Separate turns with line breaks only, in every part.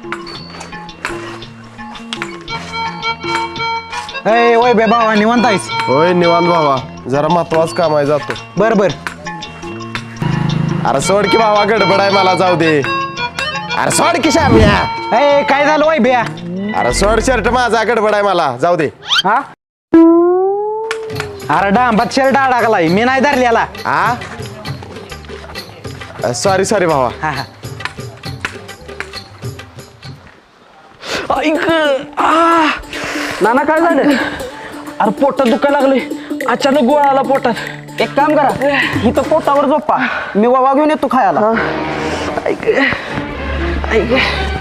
ए वय बे भावा निवांत आहेस?
होय निवांत भावा, जरा महत्वाचं काम आहे, जातो.
बर बर.
अरे सोड की भावा, गडबड आहे, मला जाऊ दे. अरे सोड की श्याम्या.
ए काय झालं वय बिया?
अरे सोड शर्ट, माझा गडबड आहे, मला जाऊ दे.
हा अरे डांबात शर्ट अडकलाय, मी नाही धरलेला.
हा सॉरी सॉरी भावा.
हा हा.
ऐक नाना काय झालं? अरे पोटात दुखायला लागले, अचानक गोळा आला पोटात.
एक काम करा, इथं पोटावर झोपा, मी वावा घेऊन येतो खायला.
ऐक ऐक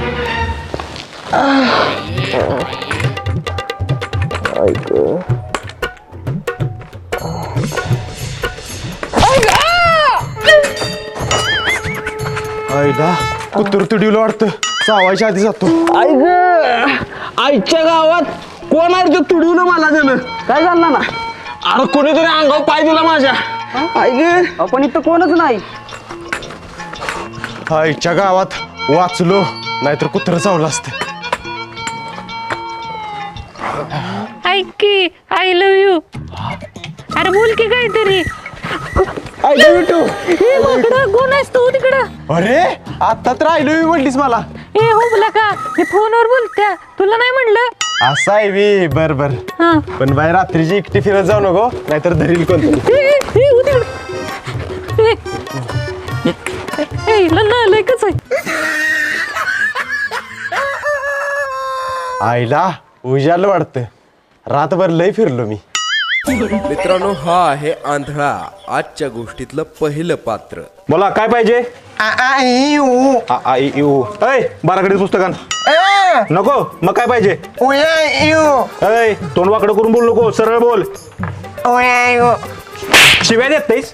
आईला कुत्र तुडीला वाटतं, चावायच्या आधी जातो.
ऐक आईच्या गावात कोण आहे ते तुडवलं मला त्यानं.
काय झालं ना?
अरे कोणीतरी अंगावर पाय दिला माझ्या. ऐक
पण इथं कोणच नाही.
आईच्या गावात वाचलो, नाहीतर कुत्र चावलं असतं.
ऐक की आय लव्ह यू. अरे बोल की काहीतरी. कोण आहेस तू तिकडं?
अरे आता तर राहिलो म्हणलीस मला.
ए हो बोला का, मी फोनवर बोलत्या, तुला नाही म्हणलं.
असं आहे वी. बर बर,
हा.
पण बाई रात्रीची एकटी फिरत जाऊ नको, नाहीतर धरील कोणतरी.
लेकच आहे.
आईला उजालं वाटतं, रातभर लय फिरलो मी.
मित्रांनो, हा आहे आंधळा, आजच्या गोष्टीतलं पहिलं पात्र.
बोला काय पाहिजे? बाराकडे पुस्तकान नको. मग काय पाहिजे? तोंड वाकडं करून बोल नको, सरळ बोल. शिव्या देत नाहीस,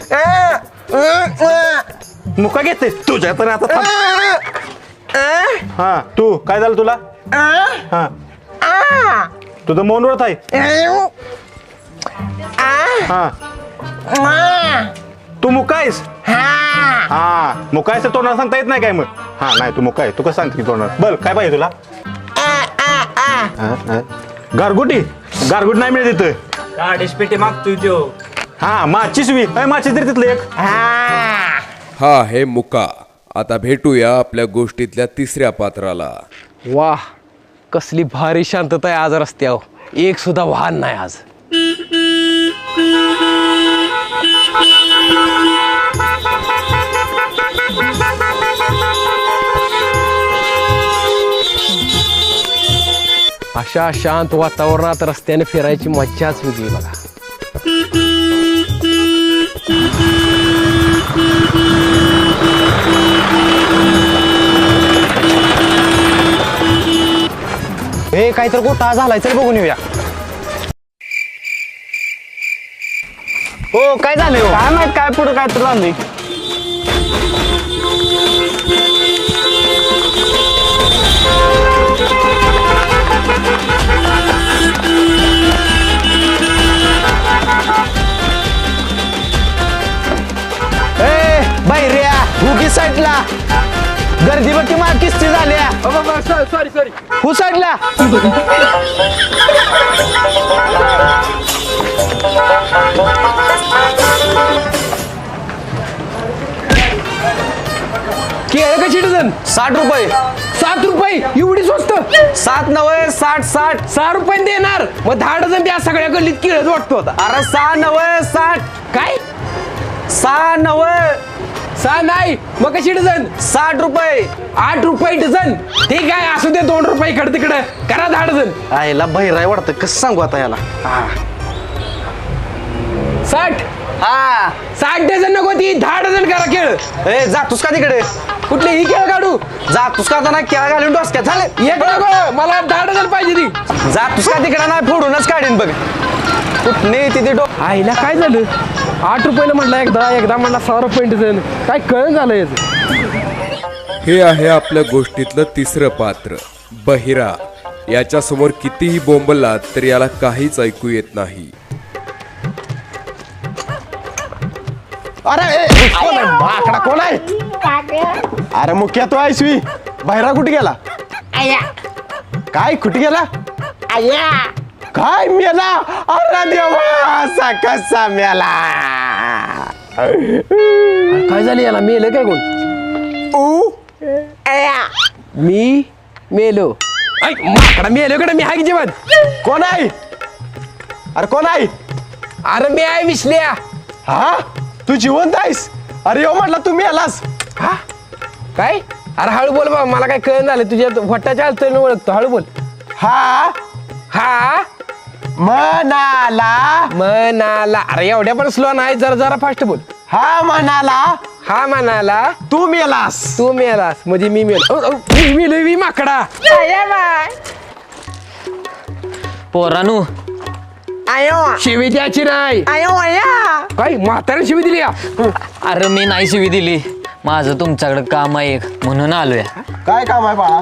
मुका घेते तुझ्या तर आता थांब. हा तू काय झालं तुला? हा तुझं मौन व्रत आहे. हा तू मुकायस? हा मुकायस तोंडाला सांगता येत नाही काय? मग हा नाही तू मुकाय, तू कसं सांगते की तोंडाला? बल काय पाहिजे तुला? गारगुटी? गारगुट नाही मिळत तिथं.
पेटी मागतोय तो.
हा माचीस वी माचीस तरी तिथलं एक.
हा आहे मुका. आता भेटूया आपल्या गोष्टीतल्या तिसऱ्या पात्राला.
वाह, कसली भारी शांतता आहे आज रस्त्यावर, एक सुद्धा वाहन नाही आज. अशा शांत वातावरणात रस्त्याने फिरायची मज्जाच वेगळी बघा.
हे काहीतरी गोठा झालाय, चल बघून येऊया. हो काय झालं? काय माहित, काय पुढे काय तर झालंय. बाहेर भुगी साईडला गर्दी बघ, मा किस्ती झाल्या.
Sorry sorry.
हु साईडला.
केळं कशी डझन?
60 रुपये.
7 रुपये? एवढी स्वस्त?
7 नव्हे 60 60.
6 रुपये देणार? मग 10 डझन त्या सगळ्या गल्लीत केळच वाटतो होता.
अरे 6 नव्हे 60.
काय?
6 नव्हे
6 नाही, मग कशी डझन?
60 रुपये.
8 रुपये डझन. ठीक आहे, असू दे 2 रुपये इकडे तिकडे करा 10 डझन.
आईला बहिराय वाटतं, कसं सांगू आता याला.
60.
हा
60 डझन नको, ती 10 डझन करा केळ.
ए जातोस का तिकडे?
कुठली ही केळ काढू?
जातोस का आता? केळा घालून डोसक्यात झाले.
एक नको, मला 10 डझन पाहिजे ती.
जातोस का तिकडे? नाही फोडूनच काढीन बघ. कुठने तिथे
आईला काय झालं? 8 रुपयाला म्हटलं एकदा म्हटलं 6 रुपये डझन. काय कळण झालं याचं?
हे आहे आपल्या गोष्टीतलं तिसरं पात्र, बहिरा. याच्या समोर कितीही बोंबलात तर याला काहीच ऐकू येत नाही.
अरे कोण आहे? माकडा कोण आहे? अरे मुख्या तो आहेस वी. बाहेरा कुठे गेला? काय कुठे गेला काय मेला अरे देवा असा कसा मेला
काय झालं याला मेलं काय कोण मी मेलो माकडा मेलो कडे मी हाय की जेवण
कोण आहे अरे कोण आहे
अरे मी आहे विसल्या
हा तू जिवंत आहेस अरे हो म्हटलं तू मेलास
हा काय अरे हळू बोल बाबा मला काय कळण झालं तुझ्या वट्टाच्या हालतोय ओळखतो हळू बोल
हा
हा
म्हणाला
अरे एवढ्या पण स्लो नाही जरा जरा फास्ट बोल
हा म्हणाला
तू मेलास म्हणजे मी मेलो मी मेलो मी माकडा
पोरानू
शिवी द्यायची नाही काय म्हाताऱ्या शिवी दिली का?
अरे मी नाही शिवी दिली माझं तुमच्याकडे काम आहे एक म्हणून आलोय
काय काम आहे बाळा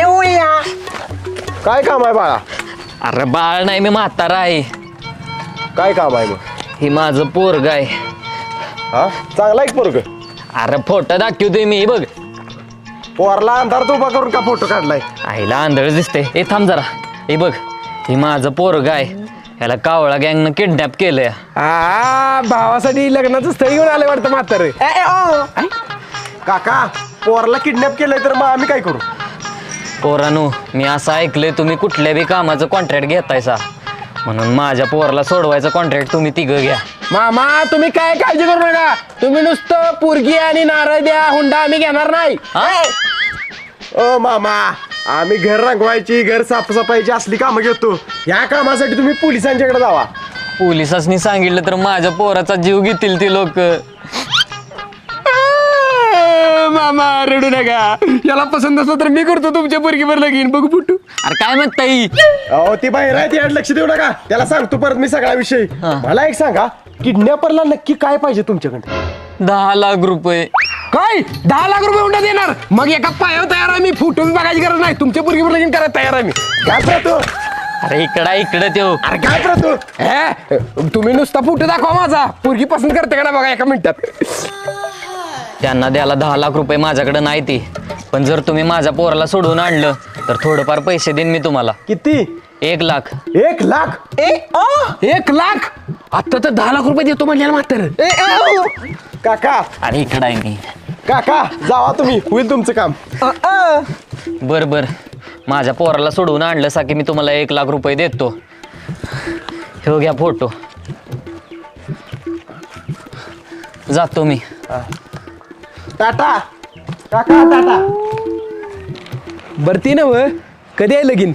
काय काम आहे बाळा
अरे बाळ नाही मी म्हातारा आहे
काय काम आहे मग
ही माझं पोरग आहे
हा चांगला एक पोरग
अरे फोटो दाखवतोय मी हे बघ
पोरला अंधारात उभा करून का फोटो काढलाय
आईला आंधळ दिसते हे थांब जरा हे बघ ही माझं पोरग आहे याला कावळा गँगनं किडनॅप केलंय
भावासाठी लग्नाचं स्थळ घेऊन आलं वाटतं म्हातारे
काका पोरला किडनॅप केलंय तर मग आम्ही काय करू
पोरानू मी असं ऐकलंय तुम्ही कुठल्या बी कामाचं कॉन्ट्रॅक्ट घेतायसा म्हणून माझ्या पोराला सोडवायचं कॉन्ट्रॅक्ट तुम्ही तिघं घ्या
मामा तुम्ही काय काळजी करू नका तुम्ही नुसतं पोरगी आणि नारळ द्या हुंडा आम्ही घेणार नाही
ओ मामा आम्ही घर रंगवायची घर साफसफाईची असली कामं घेतो या कामासाठी तुम्ही पोलिसांच्याकडे जावा
पोलिसांनी सांगितलं तर माझ्या पोराचा जीव घेतील ती लोक
मामा रडू नका याला पसंत असलं तर मी करतो तुमच्या पोरगीवर लगीन बघू फुटू
अरे काय म्हणताय
अहो ती बाहेर आहे ती लक्ष देऊ नका त्याला सांगतो परत मी सगळा विषय मला एक सांगा किडनॅपरला नक्की काय पाहिजे तुमच्याकडे
10 लाख रुपये
काय 10 लाख रुपये हुंडा देणार मग एका पायावर तयार आहे मी फुटू बघायची गरज नाही तुमच्या पोरगीवर लगीन करायला तयार आहे मी
काय प्रतो
अरे इकडं त्यो
अरे काय प्रतो
तुम्ही नुसता फुटू दाखवा माझा पोरगी पसंत करते का ना बघा एका मिनिटात
त्यांना द्यायला 10 लाख रुपये माझ्याकडे नाही ती पण जर तुम्ही माझ्या पोराला सोडून आणलं तर थोडंफार पैसे देईन मी तुम्हाला
किती
1 लाख
1 लाख
1 लाख आता तर 10 लाख रुपये देतो म्हणल्याला मात्र
काका
अरे इकडं आहे मी
काका जावा तुम्ही होईल तुमचं काम
बर माझ्या पोराला सोडून आणलं सा की मी तुम्हाला 1 लाख रुपये देतो हो घ्या फोटो जातो मी
टाटा काका टाटा
बरती ना व कधी आहे लगीन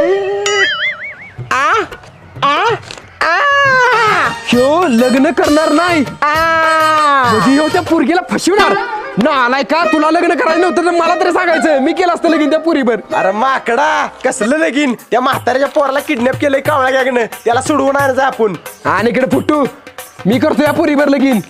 ह्यो लग्न करणार नाही म्हणजे ह्यो त्या पोरगीला फसवणार ना आलाय का तुला लग्न करायचं नव्हतं तर मला तरी सांगायचं मी केलं असतं लगीन त्या पुरीवर
अरे माकडा कसलं लगीन त्या म्हाताऱ्याच्या पोराला किडनॅप केलंय कावळा गॅगनं त्याला सोडवून आणायचं आपण
आणि इकडे फुटू मी करतो या पुरीवर लगीन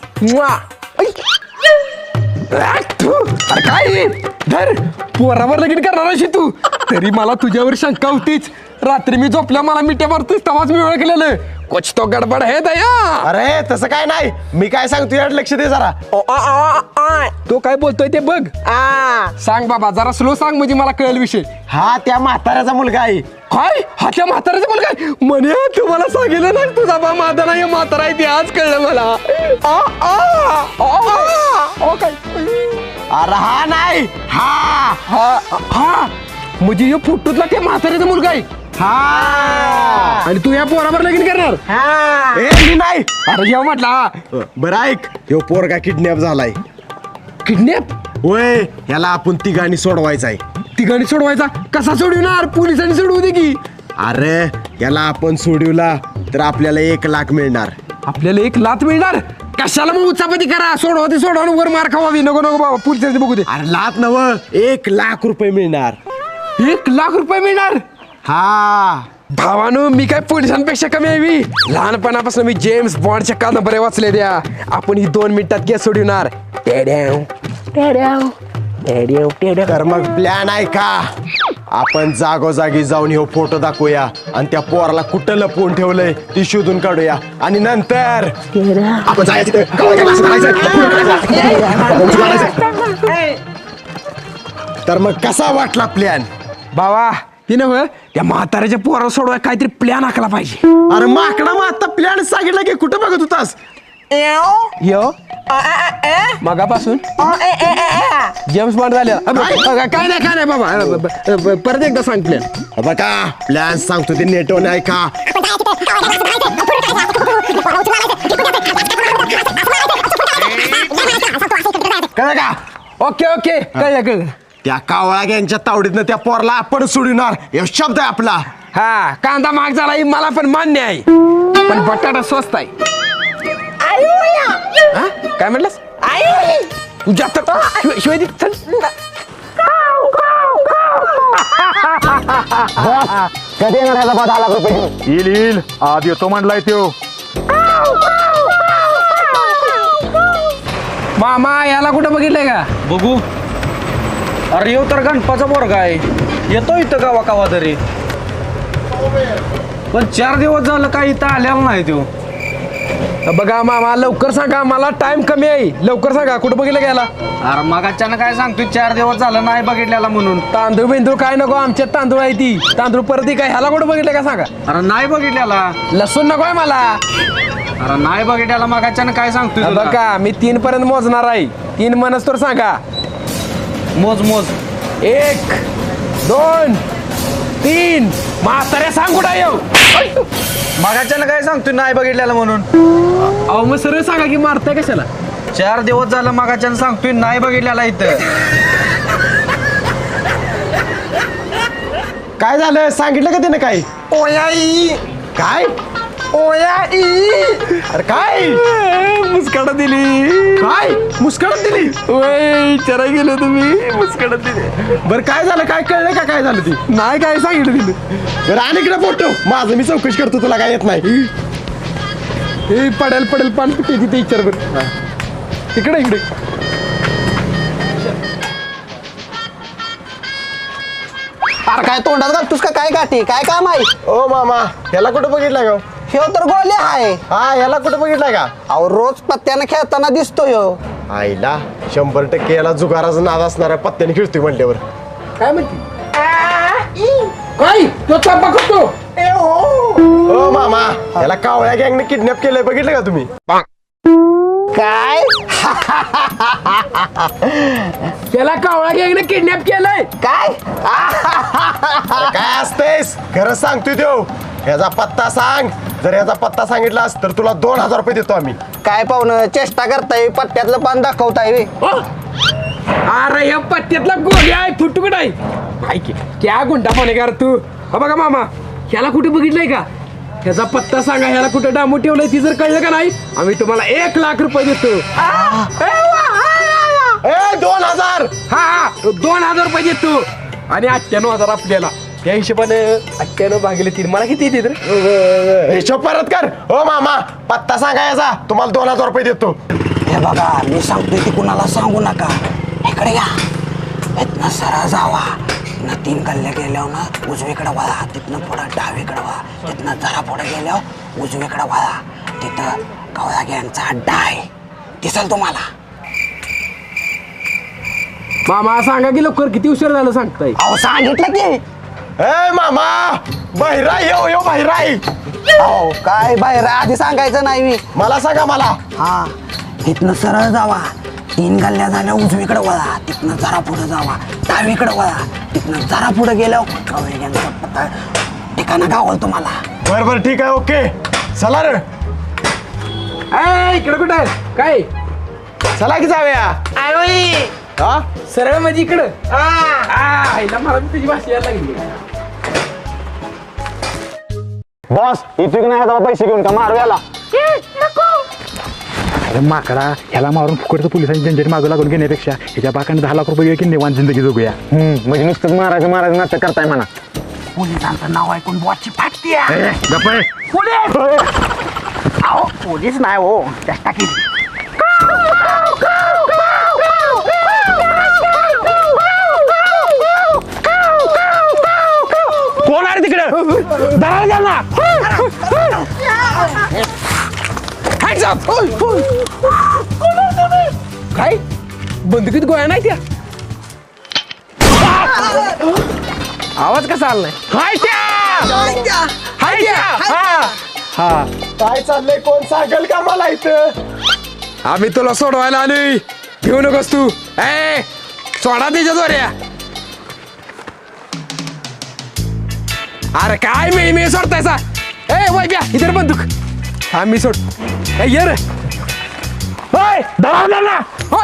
अरे काय धर पोरावर लगीन करणार अशी तू तरी मला तुझ्यावर शंका होतीच रात्री मी झोपल्या मला मिठ्या मारतोस तेव्हाच मी ओळखलेलं कुछ तो गडबड है दया
अरे तसं काय नाही मी काय सांगतो यात लक्ष दे जरा
तो काय बोलतोय ते बघ सांग बाबा जरा स्लो सांग म्हणजे मला कळेल विषय
हा त्या म्हाताऱ्याचा मुलगा आहे
काय हा त्या म्हाताऱ्याचा मुलगा आहे? म्हणे तुम्हाला सांगितलं नाही तुझा बा माझा नाही म्हातारा आहे ते आज कळलं मला काय
अरे हा नाही हा
हा म्हणजे ह्यो फुटूतला ते म्हाताऱ्याचा मुलगा आहे
हा
आणि तू या पोरावर लगीन करणार
ए मी नाही
अरे जेव्हा म्हटला
बरं ऐक ह्यो पोरगा किडनॅप झालाय
किडनॅप
होय याला आपण तिघांनी सोडवायचा आहे
तिघांनी सोडवायचा कसा सोडविणार पोलिसांनी सोडवू दे की
अरे याला आपण सोडवला तर आपल्याला 1 लाख मिळणार
आपल्याला 1 लाख मिळणार कशाला मग उचापती करा सोडवा वर मार खावावी नको बाबा पोलिसांनी बघू दे
अरे लाख नव 1 लाख रुपये मिळणार
1 लाख रुपये मिळणार
हा
भावानो मी काय पोलिसांपेक्षा कमी आहे लहानपणापासून मी जेम्स बॉन्डच्या कादंबऱ्या वाचले द्या आपण ही 2 मिनिटात केस सोडवणार
तर मग प्लॅन आहे का आपण जागोजागी जाऊन हे फोटो दाखवूया आणि त्या पोराला कुठं लपवून ठेवलंय ती शोधून काढूया आणि नंतर आपण जायचं तिथं. तर मग कसा वाटला प्लॅन
बाबा ती नव्ह त्या म्हाताऱ्याच्या पोरा सोडवाय काहीतरी प्लॅन आखला पाहिजे.
अरे माकडा मग आता प्लॅन सांगितलं की कुठं बघत होतास?
यो मगापासून जेम्स बॉन्ड झाले. काय नाही बाबा परत एकदा सांग प्लॅन.
बघा प्लॅन सांगतो ते नेटवर नाही का? कळलं का?
ओके कळलं.
त्या कावळा गँगच्या तावडीतनं त्या पोरला आपण सोडणार हे शब्द आहे आपला.
हा कांदा महाग झाला ही मला पण मान्य आहे, पण बटाटा स्वस्त आहे. हा? काय म्हटलंस? तुझ्या शिवाय दे, चल.
कधी येणार ह्याचा 10 लाख रुपये घेऊन?
येईल आज येतो म्हणलाय त्यो.
मामा याला कुठं बघितलंय का?
बघू. अरे येऊ तर गणपाचा पोरगा आहे, येतो इथं गावा कावा तरी, पण 4 दिवस झालं काय इथं आलेला नाही तो.
बघा मामा लवकर सांगा, मला टाइम कमी आहे, लवकर सांगा कुठं बघितलं गेला?
अरे मग अचानक काय सांगतोय 4 दिवस झालं नाही बघितलेला म्हणून.
तांदूळ बिंदूळ काय नको, आमच्यात तांदूळ आहे ती तांदूळ परत काय ह्याला कुठं बघितलं का सांगा?
अरे नाही बघितलेला.
लसूण नको आहे मला.
अरे नाही बघितलेला मग अचानक काय सांगतोय तुला?
बघा मी 3 पर्यंत मोजणार आहे, 3 म्हणस तर सांगा.
मोज मोज.
1 2 3. म्हाताऱ्या सांग कुठं येऊ.
मग अचानक काय सांगतोय नाही बघितलेला म्हणून?
अहो मग सरळ सांगा की मारताय कशाला?
4 दिवस झालं मग अचानक सांगतोय नाही बघितलेला इथं.
काय झालं सांगितलं का त्यानं? काय
ओयाई
काय
ओयाई
अरे काय
मुस्काडा दिली.
काय मुस्काळत दिली?
ओय चरा गेलो तुम्ही मुस्काडा दिली.
बरं काय झालं? काय कळलं का काय झालं ती?
नाही काय सांगितलं तिने.
बरं आणि इकडे फोटो माझं मी चौकशी करतो, तुला काय येत नाही?
हे पडेल पान कुठे तिथे विचार बरं. इकडे
अरे काय तोंडात घालतोस का काय गाठी? काय काम आहे?
ओ मामा याला कुठं बघितलं का?
ह्यो तर गोले आहे.
हा याला कुठं बघितलं का?
अहो रोज पत्त्यानं खेळताना दिसतो ह्यो.
आईला 100% याला जुगाराचा नाद असणाऱ्या पत्त्याने खेळतोय म्हणल्यावर.
काय म्हणते काय तो चापा करतो.
ओ मामा याला कावळ्या गँगने किडनॅप केलंय, बघितलं का तुम्ही?
काय
त्याला कावळा गँगने किडनॅप केलंय.
काय
अरे काय असतेस खरं सांगतोय देव. याचा पत्ता सांग, जर याचा पत्ता सांगितलास तर तुला 2000 रुपये देतो आम्ही.
काय पाहुणं चेष्टा करताय? पत्त्यातलं पान दाखवताय वे.
अरे या पत्त्यातला गोळी आहे फुटुकट आहे. ऐक क्या गुंडा पाने कर तू. हा बघा मामा ह्याला कुठे बघितलंय का? ह्याचा पत्ता सांगा, ह्याला कुठे डामू ठेवलंय ती जर कळलं का नाही आम्ही तुम्हाला 1 लाख रुपये देतो.
2000.
हा 2000 रुपये देतो आणि 98,000 आपल्याला. त्या हिशोबाने 98 भागिले 3 मला किती येते?
हिशोब परत कर. ओ मामा पत्ता सांगा याचा, तुम्हाला 2000 रुपये देतो.
हे बघा मी सांगतोय ती कुणाला सांगू नका. इकडे या. इथनं सरळ जावा, तिथनं 3 गल्ल्या गेल्यावर ना उजवीकडे वळा, तिथनं पुढं डावीकडे वळा, तिथनं जरा पुढे गेल्यावर उजवीकडे वळा, तिथं कावळा गँगचा अड्डा आहे, दिसेल तुम्हाला.
मामा सांगा की लवकर, किती उशीर झालं सांगताय?
अहो सांगितलं की.
ए मामा बहिराई यो बहिराई.
अहो काय बाहेर आधी सांगायचं नाही मी.
मला सांगा मला.
हा तिथनं सरळ जावा, 3 गल्ल्या झाल्या उजवीकडे वळा, तिथनं जरा पुढे जावा, डावीकडे वळा, तिथनं जरा पुढे गेल्यावर कावळा गँगचा पत्ता ठिकाणं गावल तुम्हाला.
बरं ठीक आहे ओके चला रे.
इकडे कुठे काय?
चला की जाऊया. हा
सरळ म्हणजे इकडं. आईला मला तुझी भाषा यायला लागली.
बॉस इथे नाही आता पैसे घेऊन का मारू याला.
अरे माकडा ह्याला मारून फुकटचं पोलिसांची झंझट मागं लागून घेण्यापेक्षा ह्याच्या बाकाने 10 लाख रुपये की निवांत जिंदगी जगूया.
म्हणजे नुसतंच मारायचं नाटक करताय म्हणा. पोलिसांचं नाव ऐकून बॉसची फाटती. अहो पोलीस नाही हो, चेष्टा केली.
कोण आहे तिकडे? काय बंदुकीत गोळ्या नाही त्या? आवाज कसा आलाय हाय त्या हाय त्या हा
काय चाललंय कोण सांगेल का मला इथं
आम्ही तुला सोडवायला आलोय घेऊ नकोस तू ए सोडा त्याच्या दोऱ्या अरे काय मिळमिळ सोडतायसा ए वैब्या इधर बंदूक हा मी सोड ए ये रे होय धरला ना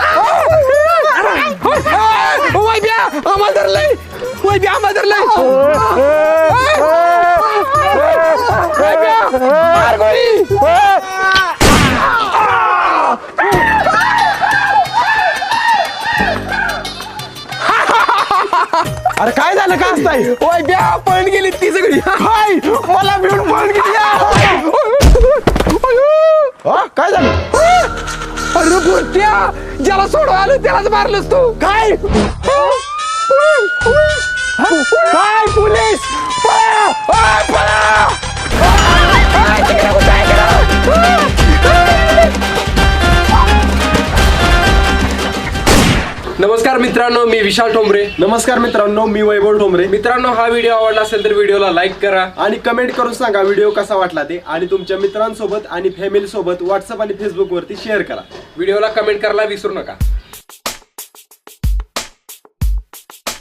वैब्या आम्हाला धरलंय वैब्या आम्हाला धरलंय वैब्या मार गोळी
अरे काय झालं का असताय
ओय ब्या पळून गेली ती सगळी
काय मला मिळून पळून गेली काय झालं
अरे बुरट्या ज्याला सोडवा आलं त्यालाच मारलंस तू
काय
काय पोलीस पळा! पळा! नमस्कार मित्रांनो मी विशाल ठोंबरे
नमस्कार मित्रांनो मी वैभव ठोंबरे
मित्रांनो हा व्हिडिओ आवडला असेल तर व्हिडिओला लाईक करा
आणि कमेंट करून सांगा व्हिडिओ कसा वाटला ते आणि तुमच्या मित्रांसोबत आणि फॅमिली सोबत व्हॉट्सअप आणि फेसबुक वरती शेअर करा
व्हिडिओला कमेंट करायला विसरू नका